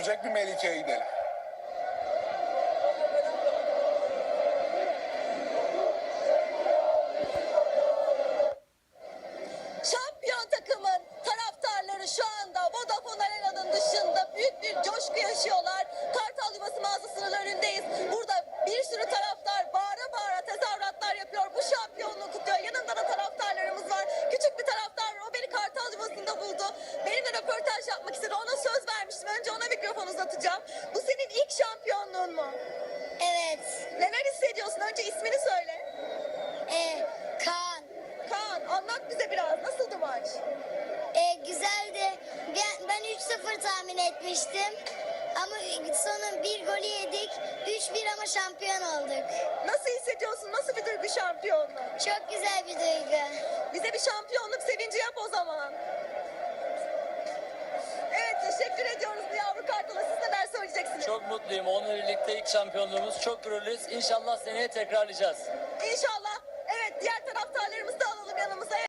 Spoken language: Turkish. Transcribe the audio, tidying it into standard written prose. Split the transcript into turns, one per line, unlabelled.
görecek bir Melike'ye gidelim.
Şampiyon takımın taraftarları şu anda Vodafone Arena'nın dışında büyük bir coşku yaşıyorlar. Kartal Yuvası mağazasının önündeyiz. Burada bir sürü taraftar bağıra bağıra tezahüratlar yapıyor. Bu şampiyonluğu kutluyor. Yanında da taraftarlarımız var. Küçük bir taraftar var. O beni Kartal Yuvası'nda buldu. Benimle röportaj yapmak istedi. Ona söz vermiştim. Önce ona mikrofon uzatacağım. Bu senin ilk şampiyonluğun mu?
Evet.
Neler hissediyorsun? Önce ismini söyle.
Kaan.
Kaan, anlat bize biraz. Nasıldı maç?
Güzeldi. Ben 3-0 tahmin etmiştim. Ama sonra bir golü yedik. 3-1 ama şampiyon olduk.
Nasıl hissediyorsun? Nasıl bir duygu şampiyonluğu?
Çok güzel bir duygu.
Bize bir şampiyonluk sevinci yap o zaman. Evet, teşekkür ediyoruz bu yavru kartala. Siz neler söyleyeceksiniz?
Çok mutluyum. Onunla birlikte ilk şampiyonluğumuz. Çok gururluyuz. İnşallah seneye tekrarlayacağız.
İnşallah